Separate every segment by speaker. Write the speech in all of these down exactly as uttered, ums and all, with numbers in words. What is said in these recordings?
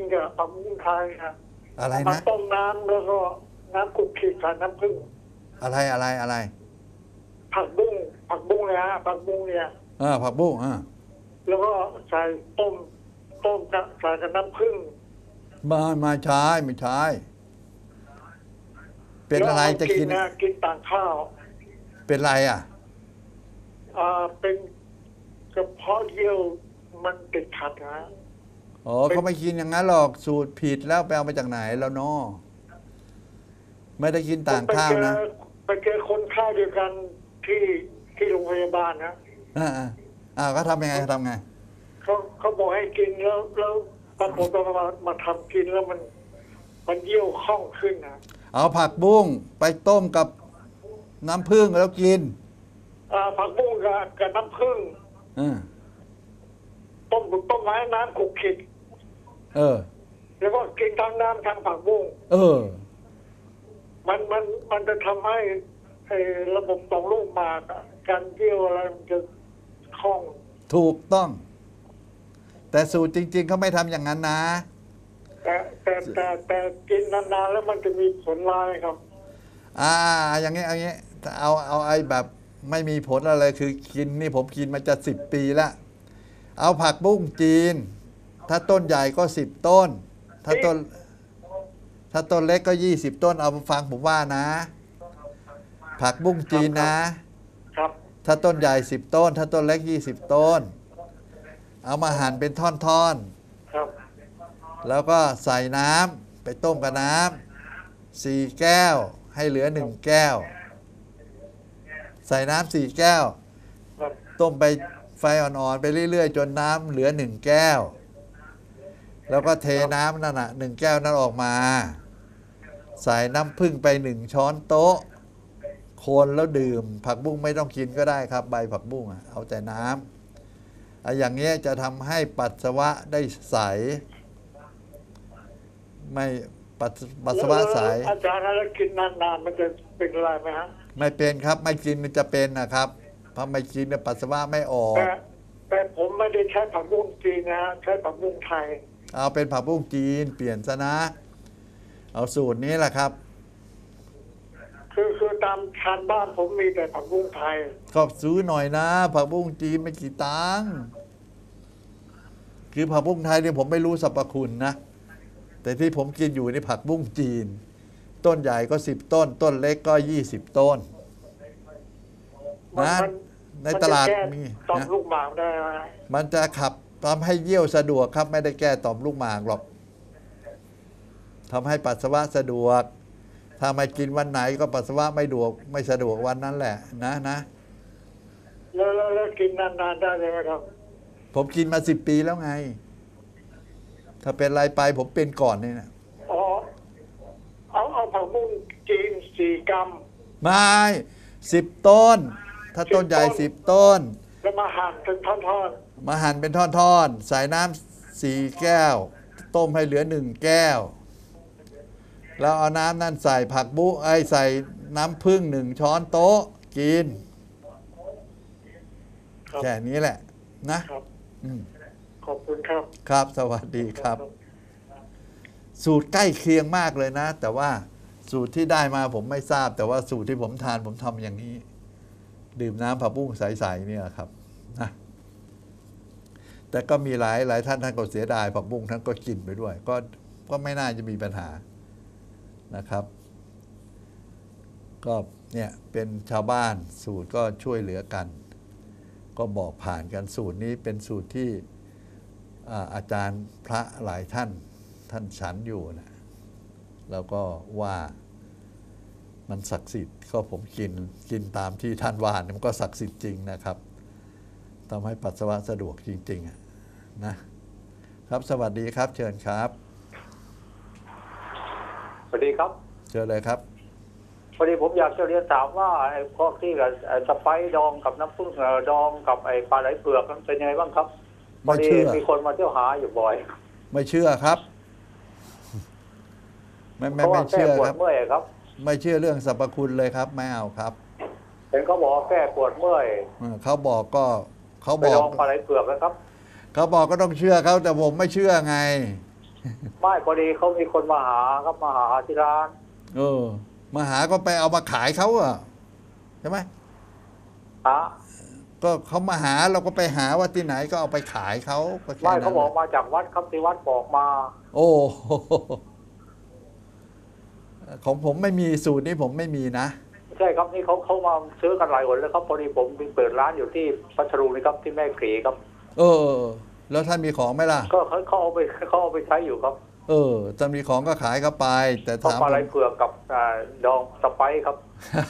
Speaker 1: กับผักบุ้งไทยครับ
Speaker 2: อะไร
Speaker 1: มา
Speaker 2: นะ
Speaker 1: ต้มน้ำแล้วก็น้ำกุกขีดใส่น้ำผึ้ง
Speaker 2: อะไรอะไรอะไร
Speaker 1: ผักบุ้งผักบุ้งเนี่ยฮะผักบุ้งเนี่ย
Speaker 2: เออผักบุ้งอ่า
Speaker 1: แล้วก็ใส่ต้มต้มกับใส่กับน้ำผึ้ง
Speaker 2: มามาใช้ไม่ใช้เป็นอะไร
Speaker 1: แล้วา
Speaker 2: จะกิน
Speaker 1: นะกินต่างข้าว
Speaker 2: เป็นไรอ่ะ
Speaker 1: อ่าเป็นกระเพาะเยี่ยวมันติดขัดนะ
Speaker 2: อ๋อเขาไม่กินอย่างนั้นหรอกสูตรผิดแล้วไปเอามาจากไหนแล้วเนาะไม่ได้กินต่างข้าวนะ
Speaker 1: ไปเจอคนไข้เดียวกันที่ที่โรงพยาบาลนะ
Speaker 2: อ่าอ่าอ่าก็ทำยังไงทำไง
Speaker 1: เขาเขาบอกให้กินแล้วแล้วปรากฏว่ามามาทำกินแล้วมัน มันเยี่ยวคล่องขึ้นนะ
Speaker 2: เอาผักบุ้งไปต้มกับน้ำผึ้งแล้วกิน
Speaker 1: อ่าผักบุ้งกับกับน้ำผึ้ง
Speaker 2: อ่า
Speaker 1: ต้มต้มไม้น้ำขุกขิด
Speaker 2: เออ
Speaker 1: แล้วก็กินทั้งน้ำทั้งผักบุ้ง
Speaker 2: เออ
Speaker 1: มันมันมันจะทำให้ไอ้ระบบต่อมลูกหมากอะการเยี่ยวอะไรมันจะคล่อง
Speaker 2: ถูกต้อง แต่สูตรจริง ๆเขาไม่ทำอย่างนั้นนะ
Speaker 1: แต่แต่แต่แต่กินนานๆแล้วมันจะมีผลร้ายครับ
Speaker 2: อ่าอย่างงี้เอางี้เอาเอาไอ้แบบไม่มีผลอะไรคือกินนี่ผมกินมาจะสิบปีละเอาผักบุ้งจีน ถ้าต้นใหญ่ก็สิบต้น ถ้าต้น ถ้าต้นเล็กก็ยี่สิบต้นเอาฟังผมว่านะ ผักบุ้งจีนนะ
Speaker 1: ครับ
Speaker 2: ถ้าต้นใหญ่สิบต้น ถ้าต้นเล็กยี่สิบต้น เอามาหั่นเป็นท่อนๆ
Speaker 1: ครับ
Speaker 2: แล้วก็ใส่น้ำไปต้มกับน้ำสี่แก้วให้เหลือหนึ่งแก้ว ใส่น้ำสี่แก้ว
Speaker 1: ครับ
Speaker 2: ต้มไปไฟอ่อนๆไปเรื่อยๆ จนน้ำเหลือหนึ่งแก้ว แล้วก็เทน้ำนั่นน่ะหนึ่งแก้วนั้นออกมา ใส่น้ำผึ้งไปหนึ่งช้อนโต๊ะ คนแล้วดื่ม ผักบุ้งไม่ต้องกินก็ได้ครับ ใบผักบุ้งอะเอาแต่น้ำอ่ะอย่างเงี้ยจะทำให้ปัสสาวะได้ใส ไม่ปัสปัสสาวะใส
Speaker 1: แล้วอาจารย์แล้วกินนานๆมันจะเป็นอะไรไหมฮะ
Speaker 2: ไม่เป็นครับ ไม่กินมันจะเป็นนะครับเพราะไม่กินเนี่ยปัสสาวะไม่ออก
Speaker 1: แต่แต่ผมไม่ได้ใช้ผักบุ้งจีนนะฮะใช้ผักบุ้งไทย
Speaker 2: เอาเป็นผักบุ้งจีนเปลี่ยนซะนะ เอาสูตรนี้แหละครับ
Speaker 1: คือคือตามชานบ้านผมมีแต่ผักบุ้งไทย
Speaker 2: ก็ซื้อหน่อยนะ ผักบุ้งจีนไม่กี่ตังค์คือผักบุ้งไทยเนี่ยผมไม่รู้สรรพคุณนะ แต่ที่ผมกินอยู่นี่ผักบุ้งจีน ต้นใหญ่ก็สิบต้น ต้นเล็กก็ยี่สิบต้น
Speaker 1: มัน
Speaker 2: นะ
Speaker 1: มัน
Speaker 2: ในตลาด
Speaker 1: มันจะแก้
Speaker 2: มี
Speaker 1: ต่อม
Speaker 2: นะ
Speaker 1: ลูกหมากได้ไหมฮะ
Speaker 2: มันจะขับทำให้เยี่ยวสะดวกครับ ไม่ได้แก้ต่อมลูกหมากหรอกทำให้ปัสสาวะสะดวก ถ้าไม่กินวันไหนก็ปัสสาวะไม่ดวกไม่สะดวกวันนั้นแหละ นะนะ
Speaker 1: แล้วแล้วแล้วกินนานๆได้ไหมครับ
Speaker 2: ผมกินมาสิบปีแล้วไง ถ้าเป็นไรไปผมเป็นก่อนนี่นะ
Speaker 1: อ๋อเอาเอาผักบุ้งจีนสี่กรัม
Speaker 2: ไม่สิบต้น ถ้าต้นใหญ่สิบต้น
Speaker 1: แล้วมาหั่นเป็นท่อน
Speaker 2: มาหั่นเป็นท่อนๆ ใส่น้ำสี่แก้ว ต้มให้เหลือหนึ่งแก้ว แล้วเอาน้ำนั่นใส่ผักบุ้งไอ้ใส่น้ำผึ้งหนึ่งช้อนโต๊ะกิน
Speaker 1: ๆครับ
Speaker 2: แค่นี้แหละนะครับ อืม
Speaker 1: ขอบคุณครับ
Speaker 2: ครับสวัสดีครับ สูตรใกล้เคียงมากเลยนะ แต่ว่าสูตรที่ได้มาผมไม่ทราบ แต่ว่าสูตรที่ผมทานผมทำอย่างนี้ ดื่มน้ำผักบุ้งใสๆเนี่ยครับนะแต่ก็มีหลายหลายท่านท่านก็เสียดายผักบุ้งท่านก็กินไปด้วย ก็ก็ไม่น่าจะมีปัญหานะครับ ก็เนี่ยเป็นชาวบ้านสูตรก็ช่วยเหลือกัน ก็บอกผ่านกันสูตรนี้เป็นสูตรที่อ่าอาจารย์พระหลายท่านท่านฉันอยู่นะแล้วก็ว่ามันศักดิ์สิทธิ์ก็ผมกินกินตามที่ท่านว่าเนี่ยมันก็ศักดิ์สิทธิ์จริงนะครับทำให้ปัสสาวะสะดวกจริงๆอะนะครับสวัสดีครับ เชิญครับ
Speaker 3: สวัสดีครับ
Speaker 2: เชิญเลยครับ
Speaker 3: พอดีผมอยากจะเรียนถามว่าไอ้พวกที่กับไอ้สไปซ์ดองกับน้ำผึ้งเอ่อดองกับไอ้ปลาไหลเผือกมันเป็นยังไงบ้างครับพอ
Speaker 2: ไม่
Speaker 3: ดี
Speaker 2: เชื่อ
Speaker 3: มีคนมาเที่ยวหาอยู่บ่อย
Speaker 2: ไม่เชื่อครับ ไม่
Speaker 3: เพ
Speaker 2: ไม่
Speaker 3: ราะว่า
Speaker 2: ไม่
Speaker 3: แก้
Speaker 2: เชื่อ
Speaker 3: ปว
Speaker 2: ค
Speaker 3: ด
Speaker 2: รับ
Speaker 3: เมื่อยครับ
Speaker 2: ไม่เชื่อเรื่องสรรพคุณเลยครับไม่เอาครับ
Speaker 3: เห็นเขาบอกว่าแก้ปวดเมื่อย
Speaker 2: เออเขาบอกก็เขา
Speaker 3: ไป
Speaker 2: บอ
Speaker 3: ด
Speaker 2: ก
Speaker 3: องปลาไหลเผือกนะครับ
Speaker 2: เขาบอกก็ต้องเชื่อเขาแต่ผมไม่เชื่อไง
Speaker 3: ไม่พอดีเขามีคนมาหาครับมาหาที่ร้าน
Speaker 2: เออมาหาก็ไปเอามาขายเขาอะใช่ไหม
Speaker 3: ฮะ
Speaker 2: ก็เขามาหาเราก็ไปหาว่าที่ไหนก็เอาไปขายเขาก็แค่
Speaker 3: ไม่
Speaker 2: นั้น
Speaker 3: เขาบอกมาจากวัดครับที่วัดบอกมา
Speaker 2: โอ้โหของผมไม่มีสูตรนี้ผมไม่มีนะ
Speaker 3: ใช่ครับนี่เขาเขามาซื้อกันหลายคนแล้วครับพอดีผมมีเปิดร้านอยู่ที่พัทลุงนี่ครับที่แม่กรีครับ
Speaker 2: เออ แล้วท่านมีของไหมล่ะ
Speaker 3: ก็เขาเขาเอาไปเขาเอาไปใช้อยู่ครับ
Speaker 2: เออจะมีของก็ขายเขาไป แต่
Speaker 3: เพราะ
Speaker 2: ถาม
Speaker 3: ปลาไหล
Speaker 2: ผม
Speaker 3: เผือกกับอ่าดองสไปซ์ครับ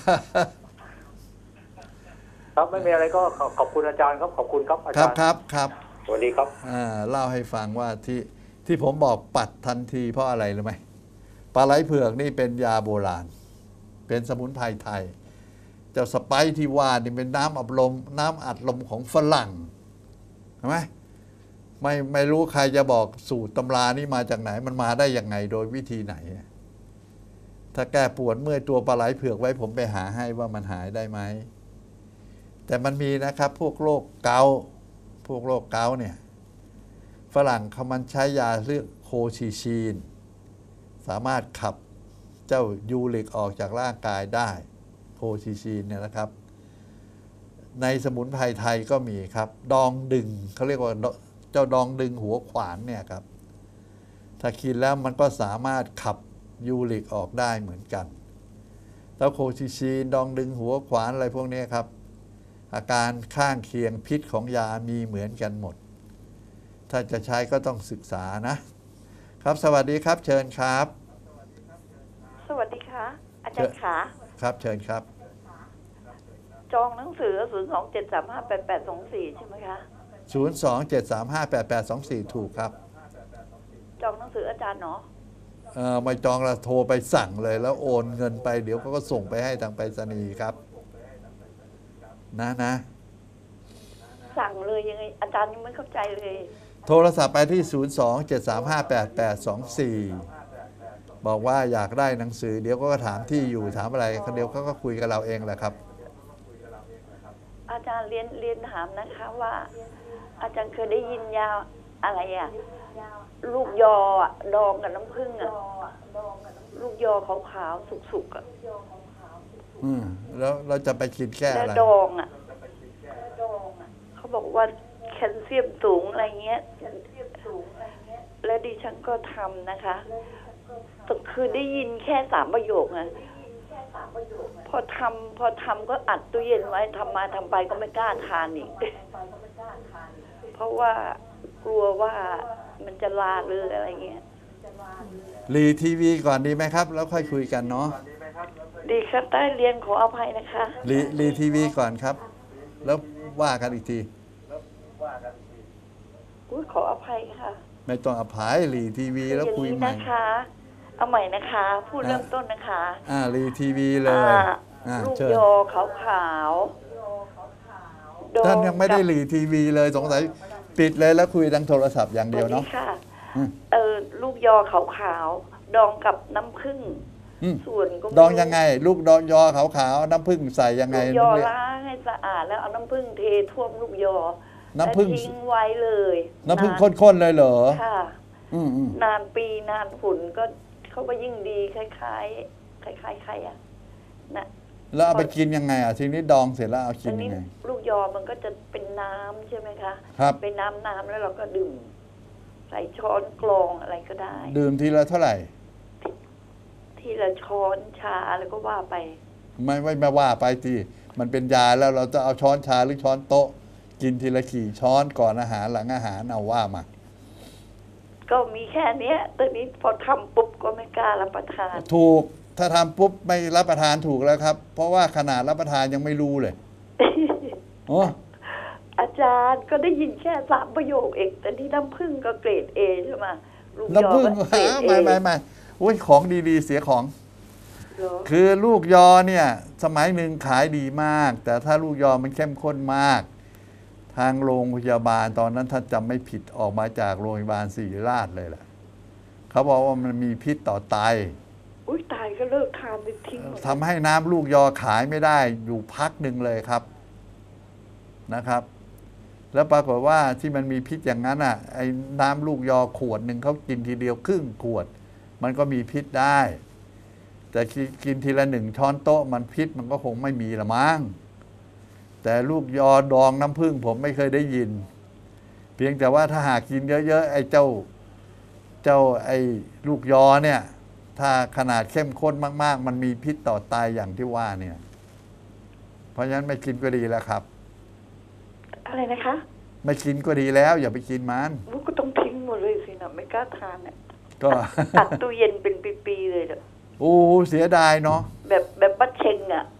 Speaker 3: ครับไม่มีอะไรก็ขอขอบคุณอาจารย์ครับขอบคุณครับอา
Speaker 2: ครั
Speaker 3: จา
Speaker 2: บ
Speaker 3: รย์
Speaker 2: ครับครับ
Speaker 3: สวัสดีครับ
Speaker 2: อ่าเล่าให้ฟังว่าที่ที่ผมบอกปัดทันทีเพราะอะไรรู้ไหมปลาไหลเผือกนี่เป็นยาโบราณ เป็นสมุนไพรไทย เจ้าสไปซ์ที่ว่านี่เป็นน้ำอัดลมน้ำอัดลมของฝรั่งใช่ไหมไม่ไม่รู้ใครจะบอกสูตรตำรานี่มาจากไหนมันมาได้ยังไงโดยวิธีไหน ถ้าแก้ปวดเมื่อยตัวปลาไหลเผือกไว้ผมไปหาให้ว่ามันหายได้ไหมแต่มันมีนะครับพวกโรคเกาต์พวกโรคเกาต์เนี่ยฝรั่งเขามันใช้ยาเรียกโคชิชีน สามารถขับเจ้ายูริกออกจากร่างกายได้โคชิชีนเนี่ยนะครับ ในสมุนไพรไทยก็มีครับ ดองดึงเขาเรียกว่าเจ้าดองดึงหัวขวานเนี่ยครับ ถ้ากินแล้วมันก็สามารถขับยูริกออกได้เหมือนกันแล้วโคชิชีนดองดึงหัวขวานอะไรพวกนี้ครับ อาการข้างเคียงพิษของยามีเหมือนกันหมด ถ้าจะใช้ก็ต้องศึกษานะ ครับสวัสดีครับเชิญครับ
Speaker 4: สวัสดีค่ะ อาจารย์ขา
Speaker 2: ครับเชิญครับ
Speaker 4: จองหนังสือศูนย์สองเจ็ดสามห้าแปดแปดสองสี่ใช่ไหมคะ
Speaker 2: ศูนย์ สอง เจ็ด สาม ห้า แปด แปด สอง สี่ ถูกครับ
Speaker 4: จองหนังสืออาจารย์เนาะ
Speaker 2: เอ่อไม่จองแล้วโทรไปสั่งเลยแล้วโอนเงินไปเดี๋ยวเขาก็ส่งไปให้ทางไปรษณีย์ครับนะนะ
Speaker 4: สั่งเลยยังไงอาจารย์ยังไม่เข้าใจเลย
Speaker 2: โทรศัพท์ไปที่ ศูนย์ สอง เจ็ด สาม ห้า แปด แปด สอง สี่ บอกว่าอยากได้หนังสือเดี๋ยวก็ถามที่อยู่ถามอะไรเดี๋ยวเขาก็คุยกับเราเองแหละครับ
Speaker 4: อาจารย์เรียนเรียนถามนะคะว่า อาจารย์เคยได้ยินยาอะไรอะลูกยออะดองกับน้ำผึ้งอะลูกยอขาวๆสุกๆอะ
Speaker 2: อืมแล้วเราจะไปคิดแค่
Speaker 4: และ
Speaker 2: อะไร
Speaker 4: ดองอะเขาบอกว่าแคลเซียมสูงอะไรเงี้ยและดิฉันก็ทำนะคะแต่คือได้ยินแค่สามประโยคไงพอทำพอทำก็อัดตู้เย็นไว้ทำมาทำไปก็ไม่กล้าทานอีก เพราะว่ากลัวว่ามันจะลาหรืออะไรเงี้ย
Speaker 2: รีทีวีก่อนดีไหมครับ แล้วค่อยคุยกันเนาะ
Speaker 4: ดีครับใต้เรียนขออภัยนะคะ
Speaker 2: รีรีทีวีก่อนครับ แล้วว่ากันอีกที
Speaker 4: อุ้ยขออภัยค่ะ
Speaker 2: ไม่ต้องอภัยรีทีวีแล้วคุย
Speaker 4: อย่าง
Speaker 2: ให
Speaker 4: นี้
Speaker 2: ม่
Speaker 4: นะคะ เอาใหม่นะคะ พูดเริ่มต้นนะคะ
Speaker 2: อ่ารีทีวีเลย
Speaker 4: อ่า
Speaker 2: อ่า
Speaker 4: ลูก
Speaker 2: เชิญ
Speaker 4: ยอขาวขาวๆดอ
Speaker 2: ท่านยังไม่ได้
Speaker 4: กับ
Speaker 2: รีทีวีเลยสงสัยปิดเลยแล้วคุยทางโทรศัพท์อย่างเดียว
Speaker 4: ส
Speaker 2: เนาะ
Speaker 4: สค่ะ
Speaker 2: อืม
Speaker 4: เออลูกยอขาวขาวๆดองกับน้ำผึ้ง
Speaker 2: อืม
Speaker 4: ส่วนก็ม่
Speaker 2: ดองยังไง ลูกดองยอขาวๆน้ำผึ้งใส่ยังไง
Speaker 4: ลูกยอ
Speaker 2: เนี่ย
Speaker 4: ล้างให้สะอาดแล้วเอาน้ำผึ้งเทท่วมลูกยอ
Speaker 2: น้ำผึ้ง
Speaker 4: แล้วทิ้งไว้เลย
Speaker 2: น้ำผึ้ง
Speaker 4: า
Speaker 2: ข้นๆเลยเหรอ
Speaker 4: ค่ะ
Speaker 2: อืมอืม
Speaker 4: นานปีนานฝุ่นก็เขาก็ยิ่งดีคล้ายๆคล้ายๆใครอ่ะนะ
Speaker 2: แล้วเอาไปกินยังไงอ่ะทีนี้ดองเสร็จแล้วเอากิ
Speaker 4: อั
Speaker 2: น
Speaker 4: น
Speaker 2: ยั
Speaker 4: นี้
Speaker 2: งไง
Speaker 4: ลูกยอมันก็จะเป็นน้ำใช่ไหมคะ
Speaker 2: ครับ
Speaker 4: เป็นน้ำน้ำแล้วเราก็ดื่ม ใส่ช้อนกรองอะไรก็ได้
Speaker 2: ดื่มทีละเท่าไหร่
Speaker 4: ทีละช้อนชาแล้วก็ว่าไป
Speaker 2: ไม่ไม่ไม่ว่าไปทีมันเป็นยาแล้วเราจะเอาช้อนชาหรือช้อนโต๊ะ กินทีละกี่ช้อนก่อนอาหารหลังอาหารเอาว่ามา
Speaker 4: ก็มีแค่เนี้ยตอนนี้พอทำปุ๊บก็ไม่กล้ารับประทาน
Speaker 2: ถูกถ้าทำปุ๊บไม่รับประทานถูกแล้วครับ เพราะว่าขนาดรับประทานยังไม่รู้เลยโอ้
Speaker 4: อาจารย์ก็ได้ยินแค่สามประโยคเองแต่ที่น้ำผึ้งก็เกรดเอใช่ไหมลูกยอ
Speaker 2: น้ำผึ้ง
Speaker 4: ก็เกรด
Speaker 2: หา
Speaker 4: เอ
Speaker 2: ไม่ไม่ไม่โอ้ยของดีๆเสียของ คือลูกยอเนี่ยสมัยหนึ่งขายดีมาก แต่ถ้าลูกยอมันเข้มข้นมาก ทางโรงพยาบาลตอนนั้นถ้าจำไม่ผิดออกมาจากโรงพยาบาลศิริราชเลยแหละเขาบอกว่ามันมีพิษต่อไต
Speaker 4: อุ้ยตายก็เลิกทานไปทิ้งหมด
Speaker 2: ทำให้น้ำลูกยอขายไม่ได้อยู่พักหนึ่งเลยครับนะครับแล้วปรากฏว่าที่มันมีพิษอย่างนั้นอ่ะไอ้น้ำลูกยอขวดหนึ่งเขากินทีเดียวครึ่งขวด มันก็มีพิษได้ แต่กินทีละหนึ่งช้อนโต๊ะมันพิษมันก็คงไม่มีละมั้งแต่ลูกยอดองน้ำผึ้งผมไม่เคยได้ยิน เพียงแต่ว่าถ้าหากกินเยอะๆไอ้เจ้าเจ้าไอ้ลูกยอเนี่ยถ้าขนาดเข้มข้นมากๆมันมีพิษต่อไตอย่างที่ว่าเนี่ยเพราะฉะนั้นไม่กินก็ดีแล้วครับ
Speaker 4: อะไรนะคะ
Speaker 2: ไม่กินก็ดีแล้วอย่าไปกินมัน
Speaker 4: ลูกก็ต้องทิ้งหมดเลยสินะไม่กล้าทานเนี่ย
Speaker 2: ก็
Speaker 4: ตัดตู้เย็นเป็นปีๆเลยเด้อ
Speaker 2: โอ้เสียดายเนาะ
Speaker 4: แบบแบบบัดเชงอ่ะ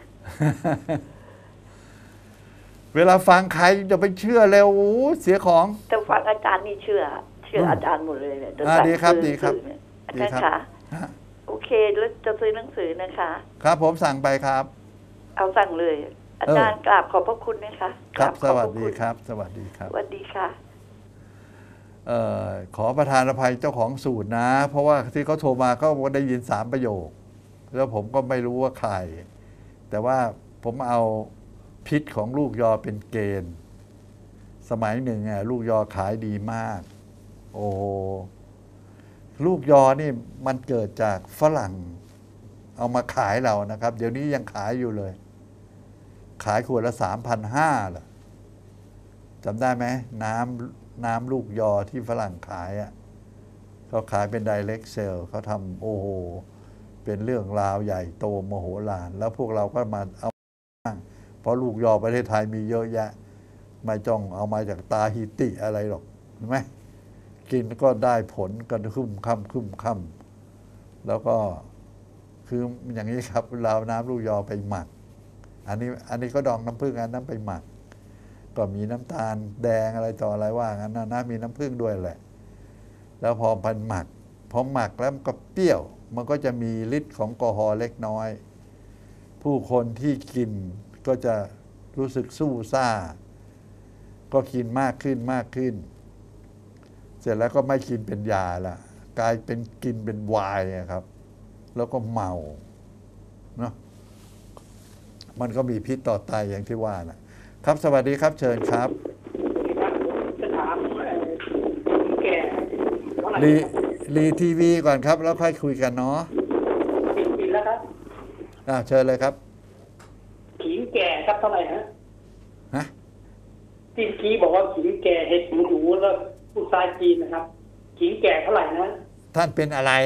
Speaker 2: เวลาฟังใครจะไปเชื่อเร็วโอ้เสียของ
Speaker 4: แต่ฟังอาจารย์นี่เชื่อ เชื่ออาจารย์หมดเลยเนี่ย
Speaker 2: อ่าดีครับดีครับ
Speaker 4: อา
Speaker 2: ดี
Speaker 4: จารย์
Speaker 2: ครับ
Speaker 4: คะ
Speaker 2: ฮะ
Speaker 4: โอเคแล้วจะซื้อหนังสือนะคะ
Speaker 2: ครับผมสั่งไปครับ
Speaker 4: เอาสั่งเลย อาจารย์กราบขอบพระคุณนะคะ
Speaker 2: ครับ
Speaker 4: ก
Speaker 2: ส
Speaker 4: ราบข
Speaker 2: วั
Speaker 4: อ
Speaker 2: ส
Speaker 4: พะ
Speaker 2: ดี
Speaker 4: ณ
Speaker 2: ครับ สวัสดีครับ
Speaker 4: สวัสดีค่ะ
Speaker 2: เอ่อขอประทานอภัยเจ้าของสูตรนะ เพราะว่าที่เขาโทรมาก็ได้ยินสามประโยค แล้วผมก็ไม่รู้ว่าใคร แต่ว่าผมเอาพิษของลูกยอเป็นเกณฑ์ สมัยหนึ่งอ่ะลูกยอขายดีมาก โอ้ลูกยอนี่มันเกิดจากฝรั่งเอามาขายเรานะครับ เดี๋ยวนี้ยังขายอยู่เลย ขายขวดละสามพันห้าเหรอจำได้ไหมน้ำน้ำลูกยอที่ฝรั่งขายอ่ะเขาขายเป็น direct sale เขาทำโอ้โห เป็นเรื่องราวใหญ่โตมโหฬารแล้วพวกเราก็มาเอาเพราะลูกยอประเทศไทยมีเยอะแยะ ไม่จ้องเอามาจากตาฮิติอะไรหรอกเห็นไหมกินก็ได้ผลกันคุ้มค่ำคุ้มค่ำแล้วก็คืออย่างนี้ครับเราน้ำลูกยอไปหมัก อันนี้อันนี้ก็ดองน้ำผึ้งอันนั้นไปหมัก ก็มีน้ำตาลแดงอะไรต่ออะไรว่างั้นนะนะมีน้ำผึ้งด้วยแหละ แล้วพอพันหมักพอหมักแล้วมันก็เปรี้ยว มันก็จะมีฤทธิ์ของแอลกอฮอล์เล็กน้อย ผู้คนที่กินก็จะรู้สึกสู้ซ่า ก็กินมากขึ้นมากขึ้น เสร็จแล้วก็ไม่กินเป็นยาละกลายเป็นกินเป็นไวน์ครับ แล้วก็เมาเนาะมันก็มีพิษต่อไตอย่างที่ว่านะครับสวัสดีครับเชิญครับ
Speaker 3: จะถามแก่เท่าไหร่
Speaker 2: รีรีทีวีก่อนครับ แล้วค่อยคุยกันเนาะ
Speaker 3: กินกินแล้วครับ
Speaker 2: อ่าเชิญเลยครับ
Speaker 3: ขิงแก่ครับเท่าไหร่ฮะ
Speaker 2: ฮะ
Speaker 3: ที่กี้บอกว่าขิงแก่เห็ดหูหนูแล้วผู้ชายจีนนะครับขิงแก่เท่าไหร่นะ
Speaker 2: ท่านเป็นอะไร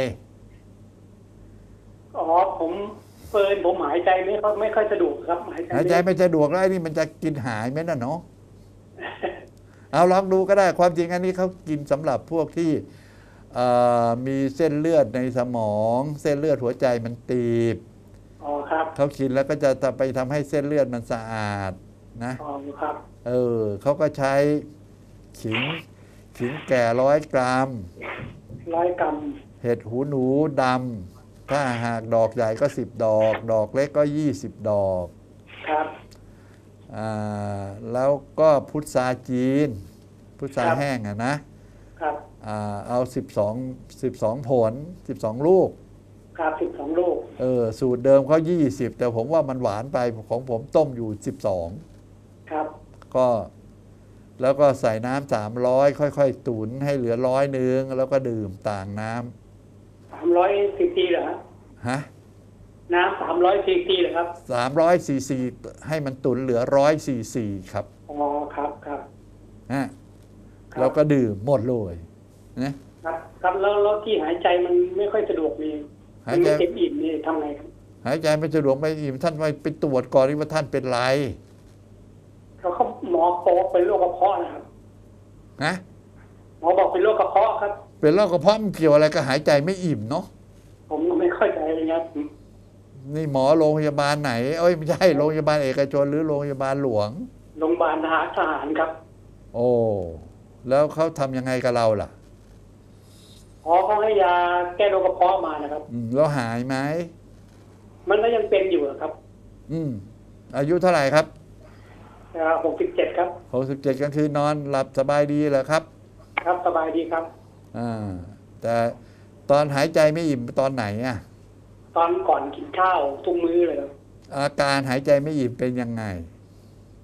Speaker 3: อ๋อผมเฟิร์นผมหายใจไม่ค่อยไม่ค่อยสะดวกครับหายใจ
Speaker 2: หายใจไม่สะดวกแล้วไอ้นี่มันจะกินหายไหมน่ะเนาะ เอาลองดูก็ได้ความจริงอันนี้เขากินสำหรับพวกที่เอ่อมีเส้นเลือดในสมอง เส้นเลือดหัวใจมันตีบ
Speaker 3: อ๋อครับ
Speaker 2: เขากินแล้วก็จะไปทำให้เส้นเลือดมันสะอาดนะ
Speaker 3: อ๋อครับ
Speaker 2: เออเขาก็ใช้ขิงขิงแก่ร้อยกรัม
Speaker 3: ร้อยกรัม
Speaker 2: เห็ดหูหนูดำถ้าหากดอกใหญ่ก็สิบดอก ดอกเล็กก็ยี่สิบดอก
Speaker 3: ครับ
Speaker 2: อ่าแล้วก็พุทราจีน พุทราแห้งอะนะครับ อ่าเอาสิบสอง สิบสองผลสิบสองลูก
Speaker 3: ครับสิบสองลูก
Speaker 2: เออสูตรเดิมเขายี่สิบแต่ผมว่ามันหวานไปของผมต้มอยู่สิบสอง
Speaker 3: ครับ
Speaker 2: ก็แล้วก็ใส่น้ำสามร้อยค่อยๆ ตุนให้เหลือร้อยหนึ่งแล้วก็ดื่มต่างน้
Speaker 3: สามร้อยซีซีเหรอฮะ
Speaker 2: ำฮะ
Speaker 3: น้ำสามร้อยซีซีเหรอครับ
Speaker 2: สามร้อยซีซีให้มันตุนเหลือร้อยซีซีครับ
Speaker 3: อ๋อครับครับ
Speaker 2: ฮะ
Speaker 3: ครับ
Speaker 2: แล้วก็ดื่มหมดเลยนะครับ
Speaker 3: ครับแล้วแล้วที่หายใจมันไม่ค่อยสะดวกนี่
Speaker 2: หาย
Speaker 3: มัน
Speaker 2: ใจ
Speaker 3: ไม่เต็มอิ่มนี่ทำไงครับ
Speaker 2: หายใจไม่สะดวกไม่อิ่มท่านไปไปตรวจก่อนว่าท่านเป็นไร
Speaker 3: เขาเขาหมอบอกเป็นโรคกระเพาะนะครับ
Speaker 2: นะ
Speaker 3: หมอบอกเป็นโรคกระเพาะครับ
Speaker 2: เป็นโรคกระเพาะมันเกี่ยวอะไรกับหายใจไม่อิ่มเนาะ
Speaker 3: ผมก็ไม่เข้าใจเลยครับ
Speaker 2: นี่หมอโรงพยาบาลไหนเอ้ยไม่ใช่โรงพยาบาลเอกชนหรือโรงพยาบาลหลวง
Speaker 3: โรงพยาบาลทหารทหารครับ
Speaker 2: โอ้แล้วเขาทำยังไงกับเราล่ะ
Speaker 3: หมอเขาให้ยาแก้โรคกระเพาะมานะครับ
Speaker 2: อืมแล้วหายไหม
Speaker 3: มันก็ยังเป็นอยู่ครับ
Speaker 2: อืมอายุเท่าไหร่ครับ
Speaker 3: หกสิบเจ็ดครับ
Speaker 2: หกสิบเจ็ดกลางคืนนอนหลับสบายดีเหรอครับ
Speaker 3: ครับสบายดีครับ
Speaker 2: อ่าแต่ตอนหายใจไม่อิ่มตอนไหนอ่ะ
Speaker 3: ตอนก่อนกินข้าวทุกมื้อเลยครับ
Speaker 2: อาการหายใจไม่อิ่มเป็นยังไง
Speaker 3: ค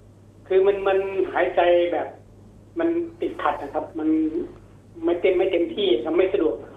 Speaker 5: คือมันมันหายใจแบบ มันติดขัดนะครับ มันไม่เต็มไม่เต็มที่ครับไม่สะดวก